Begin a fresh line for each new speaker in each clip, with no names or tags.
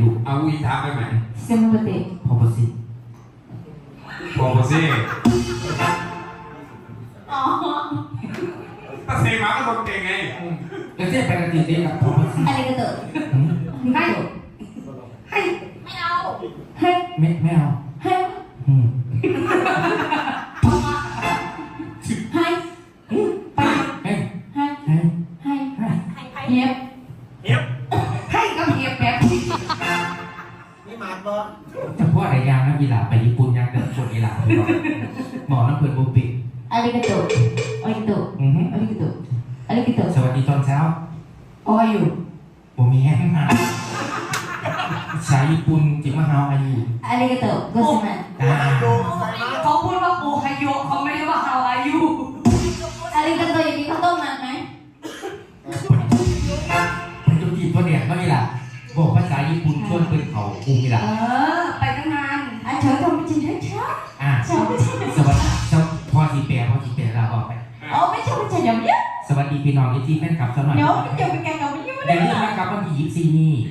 ลูก
เอาอีทาไปไหม
เซมโบเต้
พอปสิ
พอมาสิ
อ๋อ
ถ้าเซมาก็คนเก่งไง
แล้วเจ๊ไปกันจริงๆกับพอปสิ
อะไรกันเถอะให้ให้ไม่เอาให้
ไม่เอา
ให้ให้ไป
ให้
ให้
ให้
ให้เฮียบให้ก็เฮียบแบบ
นี่มาบ่
จะพูดอะไรยางนะกีฬาไปญี่ปุ่นยางเดินชนกีฬาหมอน้ำเปิดบุปิ
อะไรกันเถอะอะไรกันเถอะอะไรกันเถอะอะไรกันเถอะ
สวัสดีตอนเช้า
โอ้ยอยู่
ผมมีแห้งมาสายญี่ปุ่นจิมาฮาวอายุ
อะไรกันเถอะก็ใช่ไหม
เขาพูดว่าโอไฮโยเขาไม่ได้ว่าฮาวอายุ
อะไรกันเถอะอย่างนี้เขาต้มมันไหม
เป็นตัวจีบตัวเดียดก็กีฬาบอกภาษาญี่ปุ่นชวนเป็นเขาคุมกีฬา
ไปตั้งนาน
เชิญทำไม่จริงใช่ไหม
สวัสดีพอทีเปียเราบอกไป
ไม่ใช่ไม่ใช่อย่างนี้
สวัสดีพี่น้องที่แฟนคลับสมัย
เดี๋ยวไม่จบเป็นการกับไม่ยุ่ง
เดี๋ยวนี้นะครับวันที่24นี่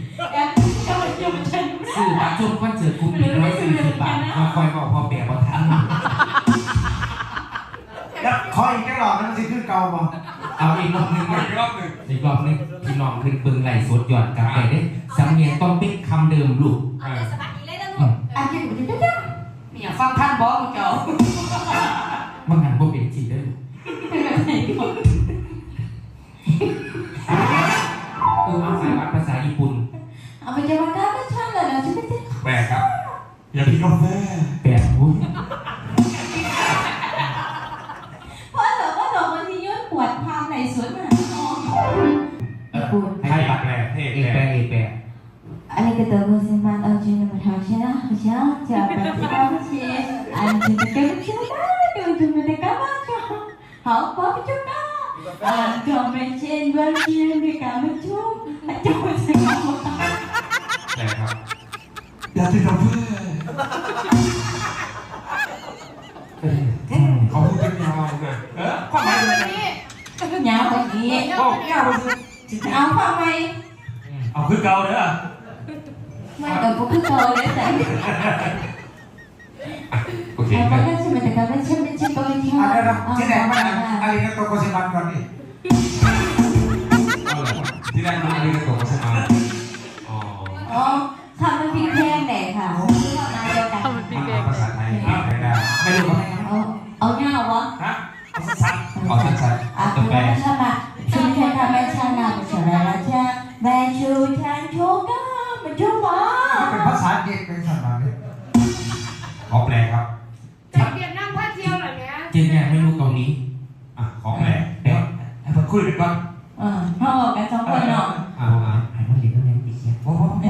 สื่อมาชมคอนเสิร์ตคุ้ม140 บาทมาคอยบอกพอแปลว่าทัน
แล้วคอยอีกแค่หลอดนั้นสิคือเก่าบ่
เอาอีกรอบนึงพี่น้องขึ้นปึงไหลสดหยอดกาแฟได้สำเนียงต้องเป็นคำเดิมลูก
สบายดีเลยนะลูก
อันนี้มันจะได้
มีอย่างฟังท่านบอกเจ้า
มันหันพวกเป็นจีได้เอาสายวัดภาษาญี่ปุ่น
เอาไปจะมาได้ไม่ใช่เลยนะฉันไม่ได้
แปลกครับอย่าพี่กาแฟ
แปลกอุ้ย
เพราะแต่ว่าดอกมันที่ย้อนปวดทางในสวนมหาชน
ให้ปักแปลกเท่
แปล
อะไรก็ตัวมันสมันเอาจริงมาทำใช่ไหมใช่จะไปที่บ้านใช่อันที่จะเก็บใช่ไหมดูดูมันจะกลับมาจ้ะเขาป๊อปจุ๊บนะก็ไม่เช่นวันที่มีการมาจุ๊บจุ๊บจะกลับมา
แปลกครับ
อย่าติดกับเพื่อน
เขาพูดเป็นยาวเลย
ความหมายวันนี้
ยาวแบบนี้เอาความหมาย
เอาคือเก่าเด้อ
ไม่แต่ก็คือเก่าเลยแต่
โอเค
แต่ก็ใช่ไหมแต่ก็ไม่ใช่ไม่ใช่ตัวที่
อะไรนะที่ไหนมาอะไรนะตัวโคเซมันก่อนนี่
ที่แรกมันอะไรกันตัวใช่ไหม
อ๋อทำมันพริกแห้งแดดค่ะ
ทำมันพริกแห้งภาษาไทยไม่รู้
เอาเงาวะ
ฮะเอาสั้นเอาสั้น
ตัวแปรใช่ไหมชื่อแค่ทำแม่ชานาเป็นอะไรนะใช่แม่ชูชันโชก้ามันชูมา
เป็นภาษาเด็กเป็นสัตว์อะไร
ขอแปลครับ
จากเวียดนามพาเที่ยวหน่อยเนี้ย
เจนเนี่ยไม่รู้เกาหลี
ขอแปล
มาคุยกันก่อน
พ่อกันสองคนเนาะ
ให้มันเรียนต้องเรียนอีกเนี่ย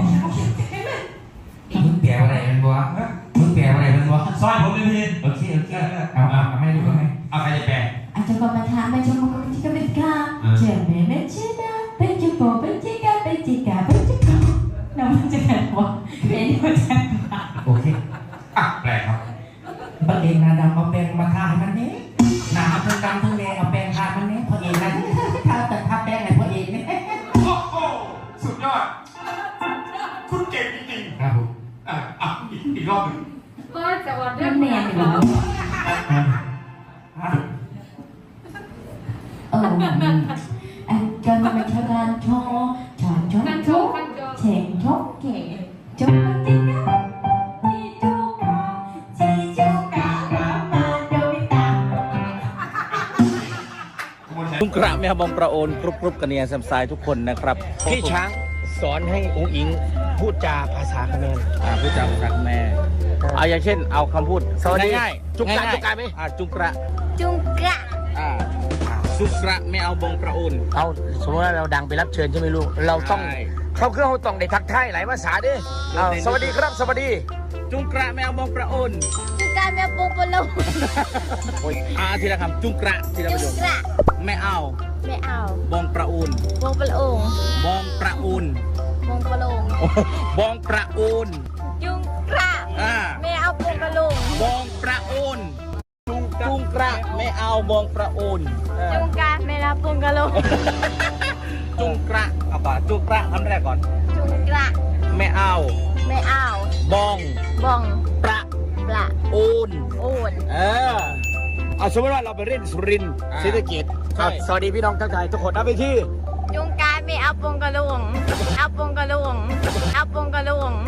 มึงแปลอะไรมันวะมึงแปลอะไรมันวะ
ซอยผมเลยพี่
โอเคเอาไม่ดูก็ไม่
เอาใครจะแปล
อาจจะก็มาถามมาชมมันที่ก็เป็นกาเจ็บไหมไม่ใช่นะเป็นจิโกเป็นจิกาเป็นจิกาเป็นจิกาน้ำมันจะกันวะเป็นมันจะ
โอเค
แปลครับ
บังเองนาดำเอาแปรงมาทาให้มันนี้นาทั้งดำทั้งแดงเอาแปรงทามันนี้พอเองนะทาแต่ทาแปรงไหนพอเองเนี่ย
โอ้โหสุดยอดคุณเก่งจริง
ๆครับผม
อีกรอบหนึ่ง
ก็จะวันเรื่อง
เนียนอยู่จนมันชการโชว์ชอนชกโชว์เฉ่งชกเก๋จงติดกันที่จูกาที่จูการามาโดมิตา
ลุงกระแม่บองประโอนกรุบกันเนี่ยแซมไซทุกคนนะครับพี่ช้างสอนให้องค์อิงพูดจาภาษาเขมรพูดจาภาษาเขมรเอาอย่างเช่นเอาคำพูดง่ายๆจุกกระไหมจุกกระจุกกระไม่เอาบองประโอน
เอาสมมติว่าเราดังไปรับเชิญใช่ไหมลูกเราต้องเขาเครื่องเขาต้องได้ทักทายหลายภาษาดิสวัสดีครับสวัสดี
จุกระไม่เอาบองประโอน
จุกระไม่เอาบองประโอน
โอ้ยทีละคำจุกระทีละประโยคไม่เอาบองประโอน
บองประโอน
บองประโอน
บองประโอน
บองประโอน
จุกระไม่เอาบองประโอน
บองประโอนจุงกระไม่เอาบองประโอน
จุงกระไม่เอาบองประโอน
จุงกระเอาป่ะจุงกระคำแรกก่อน
จุงกระ
ไม่เอา
ไม่เอา
บอง
บอง
ประ
ปลา
โอูน
โอน
เอาสมมติว่าเราไปเล่นสุรินทร์ศรีสะเกษสวัสดีพี่น้องทั้งไทยทุกคนเอาไปที่
จุงการไม่เอาปงกระลุงเอาปงกระลุงเอาปงกระลุง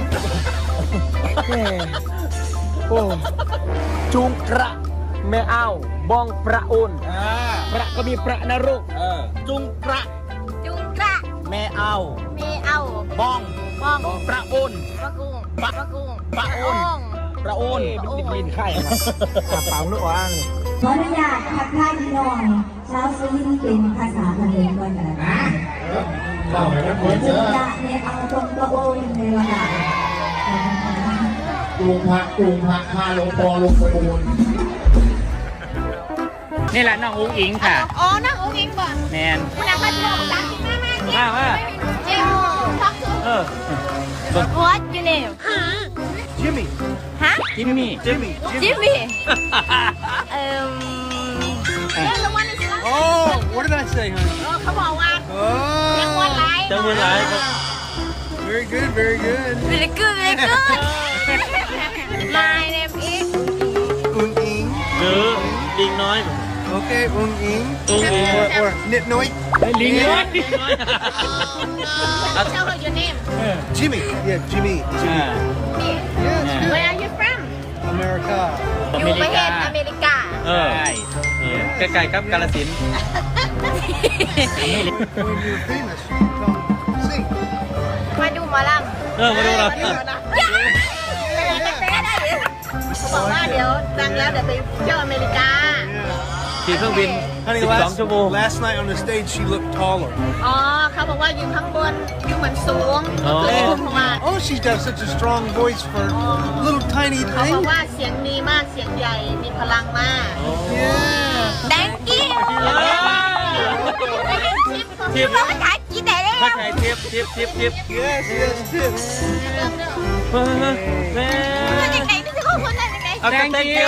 โอ้จุงกระไม่เอาบองประโอนประก็มีประนรกจุงกระ
จุงกระ
ไม่เอา
ไม่เอา
บอง
บอง
ประโอน
ปะกุงปะกุง
ประโอน ประโอนเป็นบินไข่มาเปล่าลูกว่าง
ขออนุญาตทักทายพี่น้องชาวสุรินทร์เป็นภาษาเขมรก่อนกันนะจุดะเนี่ยเอาตรงตัวโอนในวันละ
กรุงพระพาลงปอลงไปโอน
นี่แหละน้องอุ้งอิงค่ะ
อ๋อนั่งองค์อิงบ่
แมน
คุณอาคาโชว์ตังค์มากๆ
มา
เจ้าทักสุด What your name
จิมมี่
ฮะ
จิมมี่
Jimmy You're the one that's last
Oh what did I say honey
เขาบอกว่าจังหวัดไร
จังหวัดไร
very good very good
Very good very good My name is
อุ้งอิง
หรือลิงน้อย
โอเคอุ้งอิง
อุ้งอิง
or นิดน้อย
ลิงน้อย
Tell her your name
Jimmy yeah Jimmy
Where are you from
อเมริกา
อยู่ประเทศอเมริกา
ใกล้ๆกับกาฬสินธุ์
when you're famous sing
มาดูหมอลำ
มาดูเรา
เขาบอกว่าเดี๋ยวดังแล้วเดี๋ยวไปเที่ยวอเมริกา
ขี่เครื่องบิน 12 ชั่วโมง
last night on the stage she looked taller
อ๋อเขาบอกว่าอยู่ข้างบนอยู่เหมือนสูง
อ๋อ
เลยลงมา
oh she's got such a strong voice for little tiny
เขาบอก
thing
ว่าเสียงดีมากเสียงใหญ่มีพลังมาก
yeah
Thank you ทิปภาษาอังกฤษได้แล้ว
เข้าใจทิป
yes yes yes
แม่
ยังไงนี่จะข้อมูลได้ยังไง
เอากัน thank you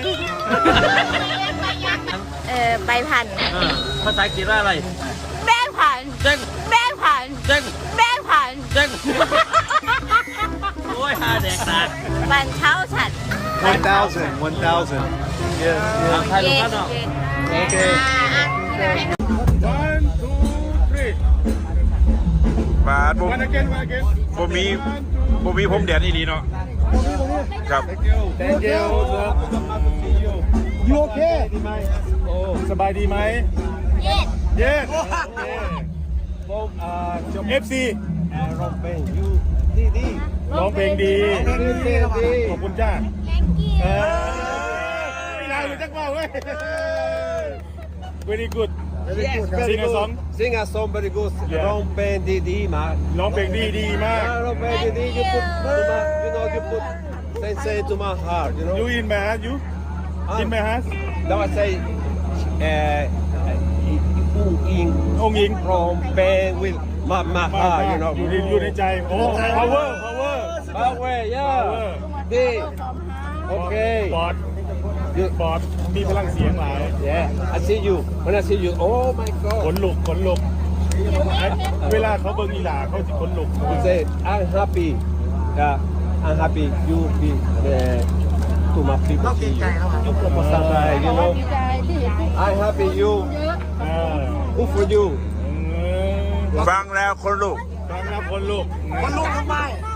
ใบพัน
ภาษาอังกฤษว่าอะไร
แบงพัน
เจ๊ง
แบงพัน
เจ๊ง
แบงพัน
เจ๊งโอ้ยฮาแดกตา
บันเท้าฉัน
1,000 yes
ถ่ายรูปกันเนาะ
โอเค
บาทผมมีผมแดนอีดีเนาะครับ
thank you you okay โอ้สบายดีไหม
Yes
yes FC ร้องเพลงดีร้องเพลงดีขอบคุณจ้า
Thank you
ไม่ได้เลยจักว่าเว้ย very good sing a song
Sing a song very good.
Yeah.
ร้องเพลงดีๆมาก
ร้องเพลงดีมาก
ร้องเพลงดีๆ you put you put sensei to my heart, you know.
you in my heart you in my heart
Now I say, อุ้งอิง
องค์หญิง
ร้องเพลง with my heart, you know.
อยู่ในใจโอ้ power
Power, yeah. ดีโอเค
บอดบอดมีพลังเสียงหลาย
Yeah, I see you. When I see you, oh my
ข
God.
นลุกเวลาเขาเบิ่งอีหลาเขาจะขนลุก
You say, I'm happy. Yeah, I'm happy. You be to my people. See you. You know. I'm happy. You.
อ่า
Who for you?
ฟังแล้วคนลูก
ฟังแล้วขนลุก
คนลุกทำไม